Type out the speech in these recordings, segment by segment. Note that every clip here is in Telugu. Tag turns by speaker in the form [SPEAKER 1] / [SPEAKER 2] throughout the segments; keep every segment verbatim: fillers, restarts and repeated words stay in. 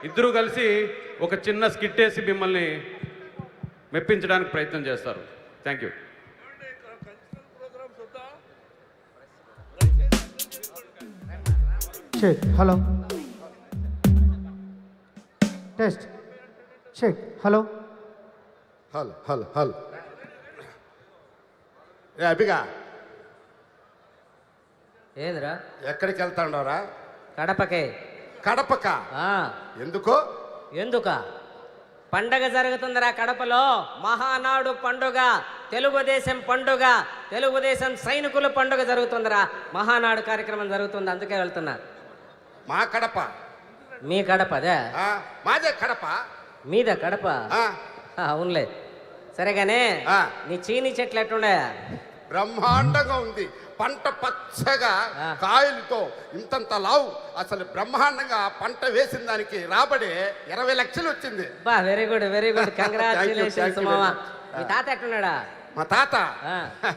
[SPEAKER 1] ఇద్దరూ కలిసి ఒక చిన్న స్కిట్ వేసి మిమ్మల్ని మెప్పించడానికి ప్రయత్నం చేస్తారు. Thank you.
[SPEAKER 2] Check hello test check hello
[SPEAKER 3] హల్ హల్ హల్ ఏ అభిగా
[SPEAKER 4] ఏంద్రా
[SPEAKER 3] ఎక్కడికి వెళ్తాండవరా?
[SPEAKER 4] కడపకే.
[SPEAKER 3] కడపక
[SPEAKER 4] ఆ,
[SPEAKER 3] ఎందుకో?
[SPEAKER 4] ఎందుక పండగ జరుగుతుందిరా కడపలో. మహానాడు పండుగ, తెలుగుదేశం పండుగ, తెలుగుదేశం సైనికుల పండుగ జరుగుతుందిరా. మహానాడు కార్యక్రమం జరుగుతుంది, అందుకే వెళ్తున్నా.
[SPEAKER 3] మా కడప.
[SPEAKER 4] మీ కడప అదే?
[SPEAKER 3] ఆ, మాదే కడప.
[SPEAKER 4] మీద కడప?
[SPEAKER 3] ఆ,
[SPEAKER 4] ఆ, అవునులే. సరేగానే
[SPEAKER 3] ఆ.
[SPEAKER 4] నీ చీని చెట్లు ఎట్టుండే?
[SPEAKER 3] బ్రహ్మాండంగా ఉంది. పంట పచ్చగా
[SPEAKER 4] ఆ.
[SPEAKER 3] కాయలతో ఇంతంత లావు. అసలు బ్రహ్మాండంగా పంట వేసిన దానికి రాబడి ఇరవై లక్షలు వచ్చింది.
[SPEAKER 4] బా, very good very good,
[SPEAKER 3] Thank you,
[SPEAKER 4] congratulations
[SPEAKER 3] thank you
[SPEAKER 4] మామ.
[SPEAKER 3] very much.
[SPEAKER 4] మీ తాత ఎట్టున్నాడా?
[SPEAKER 3] మా తాత
[SPEAKER 4] ఆ.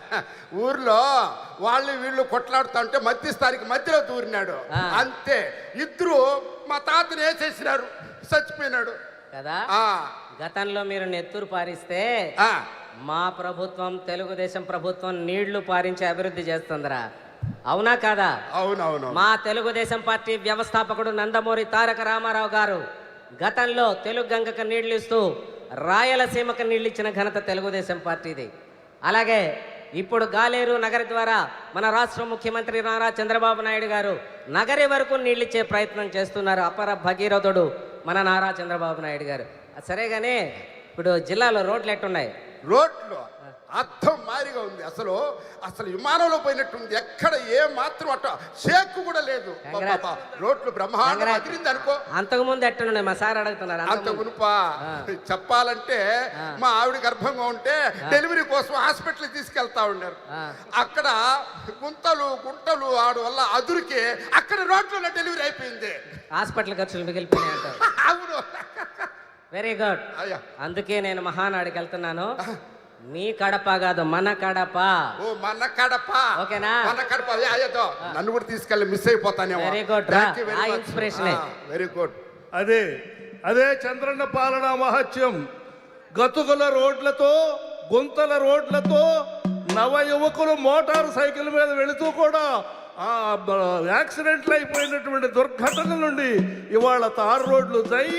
[SPEAKER 3] ఊర్లో వాళ్ళు వీళ్ళు కొట్లాడుతా ఉంటే మధ్యస్థానికి మధ్యలో దూరినాడు.
[SPEAKER 4] ఆ.
[SPEAKER 3] అంతే, ఇద్దరు మా తాతని వేసేసినారు, చచ్చిపోయినాడు
[SPEAKER 4] కదా.
[SPEAKER 3] ఆ
[SPEAKER 4] గతంలో మీరు నెత్తురు పారిస్తే
[SPEAKER 3] ఆ.
[SPEAKER 4] మా ప్రభుత్వం, తెలుగుదేశం ప్రభుత్వం నీళ్లు పారించి అభివృద్ధి చేస్తుందిరా. అవునా కాదా?
[SPEAKER 3] అవునవును.
[SPEAKER 4] మా తెలుగుదేశం పార్టీ వ్యవస్థాపకుడు నందమూరి తారక రామారావు గారు గతంలో తెలుగు గంగకు నీళ్లు ఇస్తూ రాయలసీమకు నీళ్ళు ఇచ్చిన ఘనత తెలుగుదేశం పార్టీది. అలాగే ఇప్పుడు గాలేరు నగరి ద్వారా మన రాష్ట్ర ముఖ్యమంత్రి నారా చంద్రబాబు నాయుడు గారు నగరి వరకు నీళ్ళిచ్చే ప్రయత్నం చేస్తున్నారు. అపర భగీరథుడు మన నారా చంద్రబాబు నాయుడు గారు. సరేగానే ఇప్పుడు జిల్లాలో రోడ్లు ఎట్టున్నాయి?
[SPEAKER 3] రోడ్లు అర్థం మారిగా ఉంది. అసలు అసలు విమానంలో పోయినట్టుంది. ఎక్కడ ఏ మాత్రం అట్ట షేక్ కూడా లేదు.
[SPEAKER 4] Congrats.
[SPEAKER 3] పాపా, రోడ్లు బ్రహ్మాండం అదిరింది అనుకో.
[SPEAKER 4] అంతకుముందు ఎట్టున్నాయి? మా సార్ అడుగుతున్నారు.
[SPEAKER 3] అంత
[SPEAKER 4] అంతకుముందు.
[SPEAKER 3] ఉనుపా చెప్పాలంటే
[SPEAKER 4] ఆ.
[SPEAKER 3] మా ఆవిడ గర్భంగా ఉంటే డెలివరీ కోసం హాస్పిటల్ తీసుకెళ్తా ఉన్నారు.
[SPEAKER 4] ఆ.
[SPEAKER 3] అక్కడ గుంతలు గుంటలు ఆడు వల్ల అదురికి అక్కడ రోడ్లలో డెలివరీ అయిపోయింది.
[SPEAKER 4] హాస్పిటల్ ఖర్చులు మిగిలిపోయినాయి అంటారు.
[SPEAKER 3] అవును.
[SPEAKER 4] Very good.
[SPEAKER 3] అయ్యా,
[SPEAKER 4] అందుకే నేను మహానాడుకి వెళ్తున్నాను. మీ కడప కాదు, మన కడప.
[SPEAKER 3] ఓ మన కడప.
[SPEAKER 4] ఓకేనా?
[SPEAKER 3] మన కడప. అయ్యా, అయ్యో, నన్ను కూడా తీసుకెళ్ళి మిస్ అయిపోతానేమో.
[SPEAKER 4] Very good రా. ఆ inspiration ఏ.
[SPEAKER 3] Very good.
[SPEAKER 5] అదే అదే చంద్రన్న పాలన మహత్యం. గతుకుల రోడ్లతో, గుంతల రోడ్లతో నవ యువకులు మోటార్ సైకిల్ మీద వెళుతూ కూడా ఆ యాక్సిడెంట్లు అయిపోయినటువంటి దుర్ఘటనల నుండి ఇవాళ తారు రోడ్లు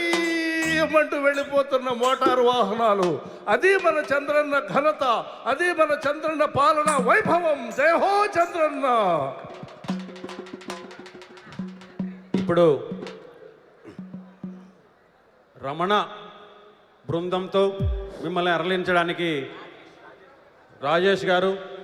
[SPEAKER 5] జయమంటూ వెళ్ళిపోతున్న మోటారు వాహనాలు. అది మన చంద్రన్న ఘనత, అది మన చంద్రన్న పాలన వైభవం. జయ హో చంద్రన్న.
[SPEAKER 1] ఇప్పుడు రమణ బృందంతో మిమ్మల్ని అరలించడానికి రాజేష్ గారు,